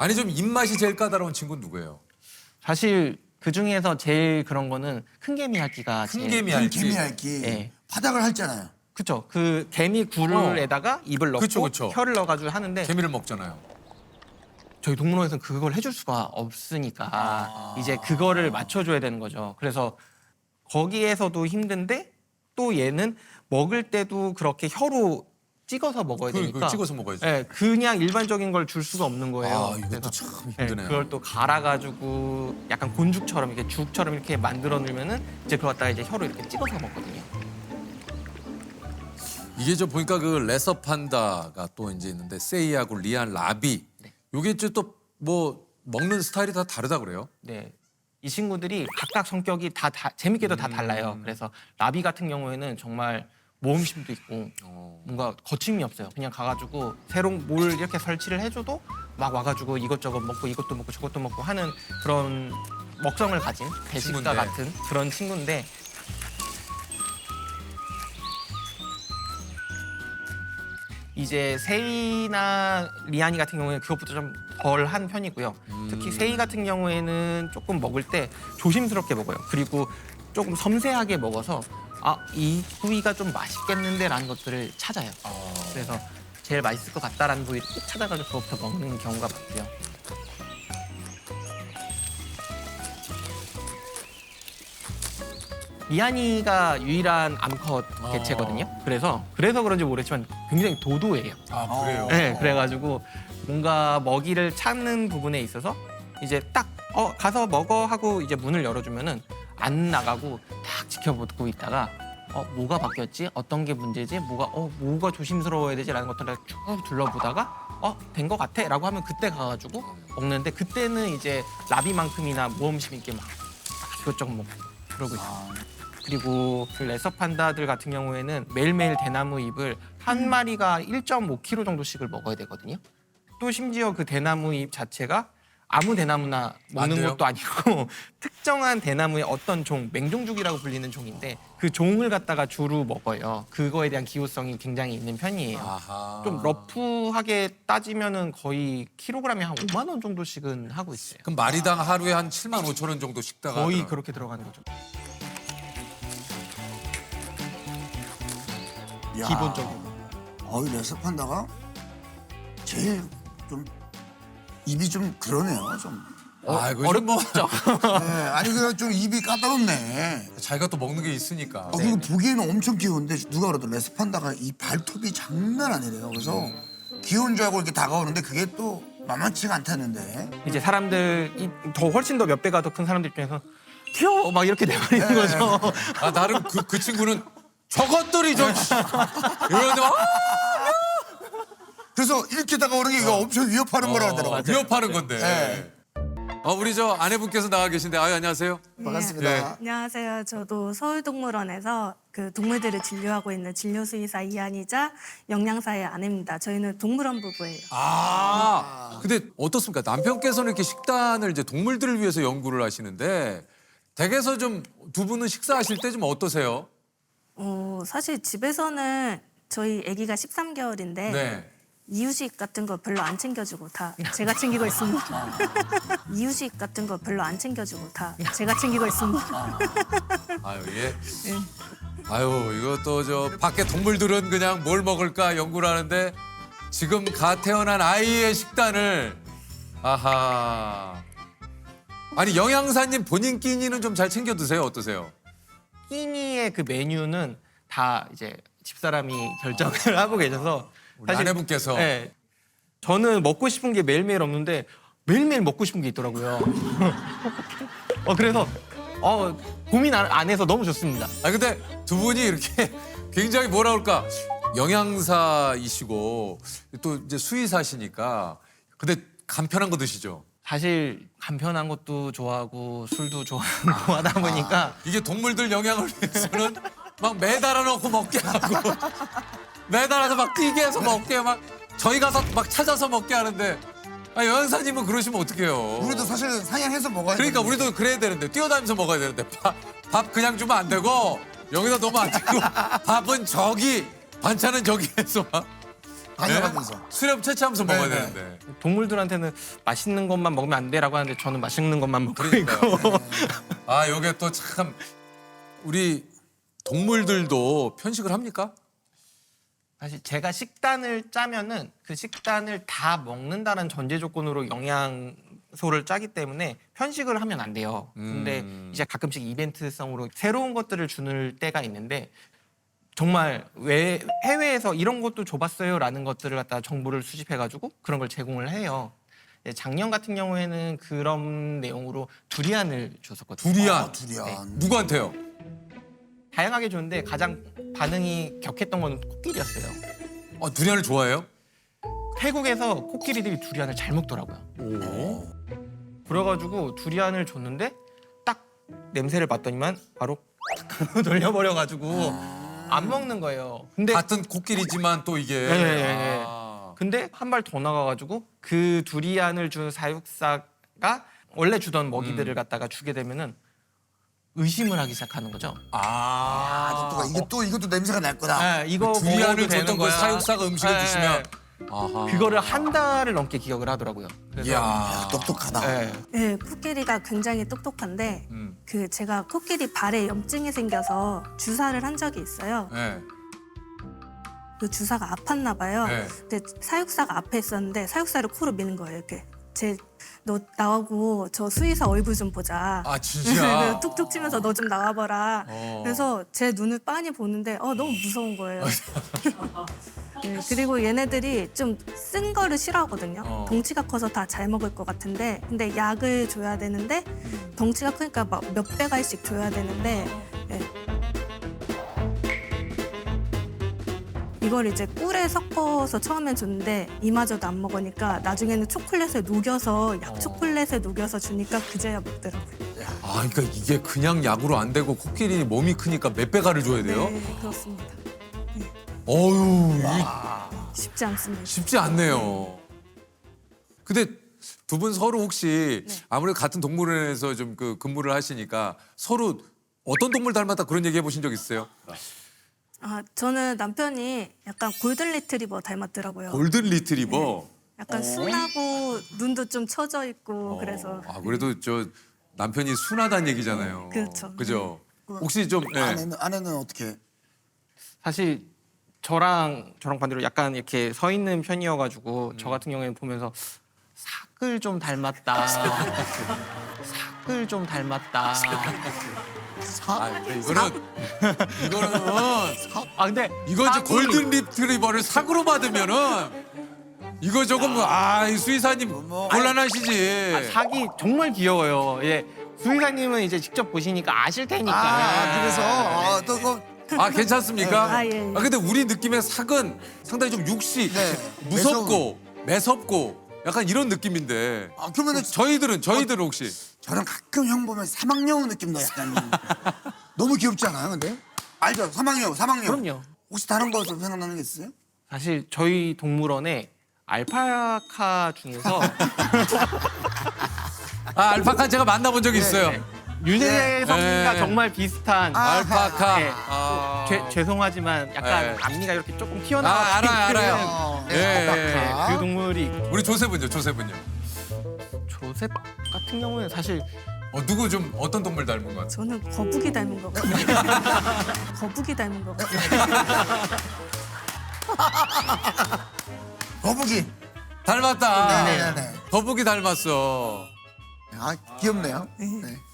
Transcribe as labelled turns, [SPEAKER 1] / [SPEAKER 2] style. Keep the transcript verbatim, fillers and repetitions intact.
[SPEAKER 1] 아니 좀 입맛이 제일 까다로운 친구는 누구예요?
[SPEAKER 2] 사실 그 중에서 제일 그런 거는 큰 개미 핥기가
[SPEAKER 1] 큰
[SPEAKER 2] 제일
[SPEAKER 1] 개미
[SPEAKER 3] 큰
[SPEAKER 1] 핥기.
[SPEAKER 3] 개미 핥기.
[SPEAKER 2] 예.
[SPEAKER 3] 바닥을 핥잖아요.
[SPEAKER 2] 그쵸. 그 개미 굴에다가 입을 넣고
[SPEAKER 1] 그쵸, 그쵸.
[SPEAKER 2] 혀를 넣어가지고 하는데
[SPEAKER 1] 개미를 먹잖아요.
[SPEAKER 2] 저희 동물원에서는 그걸 해줄 수가 없으니까
[SPEAKER 1] 아.
[SPEAKER 2] 이제 그거를 맞춰줘야 되는 거죠. 그래서 거기에서도 힘든데 또 얘는 먹을 때도 그렇게 혀로 찍어서 먹어야
[SPEAKER 1] 그,
[SPEAKER 2] 되니까
[SPEAKER 1] 그 찍어서 먹어야지.
[SPEAKER 2] 예, 그냥 일반적인 걸 줄 수가 없는 거예요.
[SPEAKER 1] 아 이것도
[SPEAKER 2] 그래서
[SPEAKER 1] 참
[SPEAKER 2] 예,
[SPEAKER 1] 힘드네요.
[SPEAKER 2] 그걸 또 갈아가지고 약간 곤죽처럼 이렇게 죽처럼 이렇게 만들어 놓으면은 이제 그걸 갖다가 이제 혀로 이렇게 찍어서 먹거든요.
[SPEAKER 1] 이게 저 보니까 그 레서 판다가 또 이제 있는데 세이하고 리안, 라비.
[SPEAKER 2] 네.
[SPEAKER 1] 요게 또 뭐 먹는 스타일이 다 다르다 그래요?
[SPEAKER 2] 네. 이 친구들이 각각 성격이 다, 다 재밌게도 다
[SPEAKER 1] 음.
[SPEAKER 2] 달라요. 그래서 라비 같은 경우에는 정말 모험심도 있고
[SPEAKER 1] 어.
[SPEAKER 2] 뭔가 거침이 없어요. 그냥 가가지고 새로운 뭘 이렇게 설치를 해줘도 막 와가지고 이것저것 먹고 이것도 먹고 저것도 먹고 하는 그런 먹성을 가진 배식가
[SPEAKER 1] 친구인데.
[SPEAKER 2] 같은 그런 친구인데 이제 세이나 리안이 같은 경우에는 그것보다 좀 덜 한 편이고요. 특히 세이 같은 경우에는 조금 먹을 때 조심스럽게 먹어요. 그리고 조금 섬세하게 먹어서 아, 이 부위가 좀 맛있겠는데라는 것들을 찾아요. 그래서 제일 맛있을 것 같다라는 부위를 꼭 찾아가지고 그것부터 먹는 경우가 많고요. 리안이가 유일한 암컷 개체거든요. 그래서 그래서 그런지 모르겠지만 굉장히 도도해요.
[SPEAKER 1] 아 그래요?
[SPEAKER 2] 네, 그래가지고 뭔가 먹이를 찾는 부분에 있어서 이제 딱 어, 가서 먹어 하고 이제 문을 열어주면은 안 나가고 딱 지켜보고 있다가 어, 뭐가 바뀌었지? 어떤 게 문제지? 뭐가 어, 뭐가 조심스러워야 되지라는 것들을 쭉 둘러보다가 어, 된 것 같아라고 하면 그때 가가지고 먹는데 그때는 이제 라비만큼이나 모험심 있게 막 이것저것 먹고 그러고 있어요. 그리고 그 레서 판다들 같은 경우에는 매일매일 대나무 잎을 한 마리가 일 점 오 킬로그램 정도씩을 먹어야 되거든요. 또 심지어 그 대나무 잎 자체가 아무 대나무나 먹는
[SPEAKER 1] 안 돼요?
[SPEAKER 2] 것도 아니고 특정한 대나무의 어떤 종, 맹종죽이라고 불리는 종인데 그 종을 갖다가 주로 먹어요. 그거에 대한 기호성이 굉장히 있는 편이에요.
[SPEAKER 1] 아하.
[SPEAKER 2] 좀 러프하게 따지면은 거의 킬로그램에 한 오만 원 정도씩은 하고 있어요.
[SPEAKER 1] 그럼 마리당 하루에 한 칠만 오천 원 정도 식다가
[SPEAKER 2] 거의
[SPEAKER 1] 하더라고요.
[SPEAKER 2] 그렇게 들어가는 거죠.
[SPEAKER 3] 야.
[SPEAKER 2] 기본적으로.
[SPEAKER 3] 어이 레서 판다가 제일 좀 입이 좀 그러네요. 좀.
[SPEAKER 1] 아 이거 뭐
[SPEAKER 3] 네, 아니 그 좀 입이 까다롭네.
[SPEAKER 1] 자기가 또 먹는 게 있으니까.
[SPEAKER 3] 어, 그리고 보기에는 엄청 귀여운데 누가 그래도 레서 판다가 이 발톱이 장난 아니래요. 그래서 귀여운 줄 알고 이렇게 다가오는데 그게 또 만만치가 않다는데.
[SPEAKER 2] 이제 사람들 이 더 훨씬 더 몇 배가 더 큰 사람들 입장에서 귀여워 막 이렇게 돼버리는
[SPEAKER 3] 네.
[SPEAKER 2] 거죠.
[SPEAKER 1] 아 나름 그, 그 친구는 저것들이 저 이러는데 막
[SPEAKER 3] 그래서 이렇게 다가오는 게 이거 엄청 위협하는 거라 하더라고요.
[SPEAKER 1] 어, 위협하는 건데.
[SPEAKER 3] 네.
[SPEAKER 1] 어 우리 저 아내분께서 나와 계신데 아유 안녕하세요.
[SPEAKER 3] 반갑습니다.
[SPEAKER 1] 네.
[SPEAKER 4] 안녕하세요. 저도 서울동물원에서 그 동물들을 진료하고 있는 진료수의사 이한이자 영양사의 아내입니다. 저희는 동물원 부부예요.
[SPEAKER 1] 아 근데 어떻습니까? 남편께서는 이렇게 식단을 이제 동물들을 위해서 연구를 하시는데 댁에서 좀 두 분은 식사하실 때 좀 어떠세요?
[SPEAKER 4] 어, 사실 집에서는 저희 아기가 십삼 개월인데
[SPEAKER 1] 네.
[SPEAKER 4] 이유식 같은 거 별로 안 챙겨주고 다 제가 챙기고 있습니다. 이유식 같은 거 별로 안 챙겨주고 다 제가 챙기고 있습니다.
[SPEAKER 1] 아유 예. 아유 이것도 저 밖에 동물들은 그냥 뭘 먹을까 연구를 하는데 지금 갓 태어난 아이의 식단을 아하. 아니 영양사님 본인 끼니는 좀 잘 챙겨 드세요 어떠세요?
[SPEAKER 2] 끼니의 그 메뉴는 다 이제 집사람이 결정을 하고 계셔서
[SPEAKER 1] 우리 아내분께서
[SPEAKER 2] 네, 저는 먹고 싶은 게 매일매일 없는데 매일매일 먹고 싶은 게 있더라고요. 어, 그래서 어, 고민 안, 안 해서 너무 좋습니다.
[SPEAKER 1] 아 근데 두 분이 이렇게 굉장히 뭐라 그럴까 영양사이시고 또 이제 수의사시니까 근데 간편한 거 드시죠?
[SPEAKER 2] 사실 간편한 것도 좋아하고 술도 좋아하고 하다 보니까
[SPEAKER 1] 이게 동물들 영양을 위해서는 막 매달아 놓고 먹게 하고 매달아서 막 뛰게 해서 먹게 막 저희 가서 막 찾아서 먹게 하는데 아 영양사님은 그러시면 어떡해요?
[SPEAKER 3] 우리도 사실 사냥해서 먹어야
[SPEAKER 1] 그러니까
[SPEAKER 3] 되는데.
[SPEAKER 1] 우리도 그래야 되는데 뛰어다니면서 먹어야 되는데 밥, 밥 그냥 주면 안 되고 여기다 놓으면 안 되고 밥은 저기 반찬은 저기 해서 막
[SPEAKER 3] 다녀가면서.
[SPEAKER 1] 수렴 채취하면서 먹어야
[SPEAKER 3] 네, 네.
[SPEAKER 1] 되는데.
[SPEAKER 2] 동물들한테는 맛있는 것만 먹으면 안 돼라고 하는데 저는 맛있는 것만 먹고
[SPEAKER 1] 그러니까요.
[SPEAKER 2] 있고.
[SPEAKER 1] 아, 요게 또 참 우리 동물들도 편식을 합니까?
[SPEAKER 2] 사실 제가 식단을 짜면은 그 식단을 다 먹는다는 전제 조건으로 영양소를 짜기 때문에 편식을 하면 안 돼요. 근데
[SPEAKER 1] 음.
[SPEAKER 2] 이제 가끔씩 이벤트성으로 새로운 것들을 주는 때가 있는데 정말 왜 해외에서 이런 것도 줘봤어요라는 것들을 갖다 정보를 수집해가지고 그런 걸 제공을 해요. 예, 작년 같은 경우에는 그런 내용으로 두리안을 줬었거든요.
[SPEAKER 1] 두리안.
[SPEAKER 3] 아, 두리안.
[SPEAKER 1] 누구한테요?
[SPEAKER 2] 다양하게 줬는데 가장 반응이 격했던 건 코끼리였어요.
[SPEAKER 1] 어, 두리안을 좋아해요?
[SPEAKER 2] 태국에서 코끼리들이 두리안을 잘 먹더라고요.
[SPEAKER 1] 오.
[SPEAKER 2] 그래가지고 두리안을 줬는데 딱 냄새를 맡더니만 바로 돌려버려가지고 안 먹는 거예요. 근데
[SPEAKER 1] 같은 코끼리지만 또 이게.
[SPEAKER 2] 네, 네, 네.
[SPEAKER 1] 아.
[SPEAKER 2] 근데 한 발 더 나가가지고 그 두리안을 준 사육사가 원래 주던 먹이들을 갖다가 주게 되면은 의심을 하기 시작하는 거죠.
[SPEAKER 3] 아,
[SPEAKER 1] 아.
[SPEAKER 3] 또 이게 또 이것도 냄새가 날 거다.
[SPEAKER 2] 네, 이거
[SPEAKER 1] 두리안을
[SPEAKER 2] 먹어도 되는
[SPEAKER 1] 줬던 그
[SPEAKER 2] 거야.
[SPEAKER 1] 사육사가 음식을
[SPEAKER 2] 네,
[SPEAKER 1] 주시면.
[SPEAKER 2] 네.
[SPEAKER 1] 아하.
[SPEAKER 2] 그거를 한 달을 넘게 기억을 하더라고요. 그래서
[SPEAKER 1] 이야.
[SPEAKER 3] 똑똑하다.
[SPEAKER 2] 네.
[SPEAKER 4] 네, 코끼리가 굉장히 똑똑한데
[SPEAKER 1] 음.
[SPEAKER 4] 그 제가 코끼리 발에 염증이 생겨서 주사를 한 적이 있어요.
[SPEAKER 1] 네.
[SPEAKER 4] 그 주사가 아팠나 봐요.
[SPEAKER 1] 네.
[SPEAKER 4] 근데 사육사가 앞에 있었는데 사육사를 코로 미는 거예요. 이렇게 제 너 나오고 저 수의사 얼굴 좀 보자.
[SPEAKER 1] 아, 진짜?
[SPEAKER 4] 툭툭 치면서 너 좀 나와봐라.
[SPEAKER 1] 어.
[SPEAKER 4] 그래서 제 눈을 빤히 보는데 어 너무 무서운 거예요. 네, 그리고 얘네들이 좀 쓴 거를 싫어하거든요.
[SPEAKER 1] 어.
[SPEAKER 4] 덩치가 커서 다 잘 먹을 것 같은데 근데 약을 줘야 되는데 덩치가 크니까 막 몇 배갈씩 줘야 되는데 네. 이걸 이제 꿀에 섞어서 처음엔 줬는데 이마저도 안 먹으니까 나중에는 초콜릿에 녹여서 약 초콜릿에 녹여서 주니까 그제야 먹더라고요.
[SPEAKER 1] 아, 그러니까 이게 그냥 약으로 안 되고 코끼리 몸이 크니까 몇 배가를 줘야 돼요?
[SPEAKER 4] 네, 그렇습니다.
[SPEAKER 1] 어휴, 이게
[SPEAKER 4] 쉽지 않습니다.
[SPEAKER 1] 쉽지 않네요. 근데 두 분 서로 혹시
[SPEAKER 4] 네.
[SPEAKER 1] 아무래도 같은 동물원에서 좀 그 근무를 하시니까 서로 어떤 동물 닮았다 그런 얘기 해보신 적 있어요?
[SPEAKER 4] 아, 저는 남편이 약간 골든 리트리버 닮았더라고요.
[SPEAKER 1] 골든 리트리버.
[SPEAKER 4] 약간 순하고 눈도 좀 처져 있고
[SPEAKER 1] 어.
[SPEAKER 4] 그래서
[SPEAKER 1] 아, 그래도 저 남편이 순하다는 얘기잖아요.
[SPEAKER 4] 그렇죠.
[SPEAKER 1] 그죠? 혹시 좀 예.
[SPEAKER 3] 아내는 아내는 어떻게?
[SPEAKER 2] 사실 저랑 저랑 반대로 약간 이렇게 서 있는 편이어가지고 저 같은 경우에는 보면서 삭을 좀 닮았다. 삭을 좀 닮았다.
[SPEAKER 1] 아, 근데 이거는 이거는
[SPEAKER 2] 아 근데
[SPEAKER 1] 이거 이제
[SPEAKER 2] 삭이-
[SPEAKER 1] 골든 리트리버를 사고로 받으면은 이거 조금 아, 이 수의사님
[SPEAKER 3] 뭐,
[SPEAKER 1] 곤란하시지.
[SPEAKER 2] 아, 삭이 정말 귀여워요. 예. 수의사님은 이제 직접 보시니까 아실 테니까.
[SPEAKER 3] 아, 그래서 아, 또 그,
[SPEAKER 1] 아, 괜찮습니까?
[SPEAKER 4] 아, 예, 예.
[SPEAKER 1] 아, 근데 우리 느낌의 삭은 상당히 좀 육식,
[SPEAKER 3] 네,
[SPEAKER 1] 무섭고 매섭고 약간 이런 느낌인데.
[SPEAKER 3] 아, 그러면은
[SPEAKER 1] 저희들은 저희들은 혹시
[SPEAKER 3] 저는 가끔 형 보면 사막여우 느낌도 약간 너무 귀엽지 않아요? 근데 알죠? 사막여우, 사막여우.
[SPEAKER 2] 그럼요.
[SPEAKER 3] 혹시 다른 거에서 생각나는 게 있어요?
[SPEAKER 2] 사실 저희 동물원에 알파카 중에서
[SPEAKER 1] 아, 알파카 제가 만나본 적이 있어요.
[SPEAKER 2] 네. 유재석 성과
[SPEAKER 1] 네.
[SPEAKER 2] 정말 비슷한
[SPEAKER 3] 아,
[SPEAKER 1] 알파카.
[SPEAKER 2] 네.
[SPEAKER 1] 아.
[SPEAKER 2] 죄, 죄송하지만 약간
[SPEAKER 1] 네.
[SPEAKER 2] 앞니가 이렇게 조금
[SPEAKER 1] 아,
[SPEAKER 2] 튀어나와
[SPEAKER 1] 알아요, 알아요.
[SPEAKER 3] 어,
[SPEAKER 1] 예, 예.
[SPEAKER 3] 알파카.
[SPEAKER 2] 그 동물이 있고.
[SPEAKER 1] 우리 조셉은요, 조셉은요.
[SPEAKER 2] 조셉 같은 경우는 사실
[SPEAKER 1] 어, 누구 좀 어떤 동물 닮은 것 같아요?
[SPEAKER 4] 저는 거북이 닮은 것 같아요. 거북이 닮은 것 같아요.
[SPEAKER 3] 거북이.
[SPEAKER 1] 닮았다.
[SPEAKER 3] 네, 네, 네.
[SPEAKER 1] 거북이 닮았어.
[SPEAKER 3] 아, 귀엽네요. 네.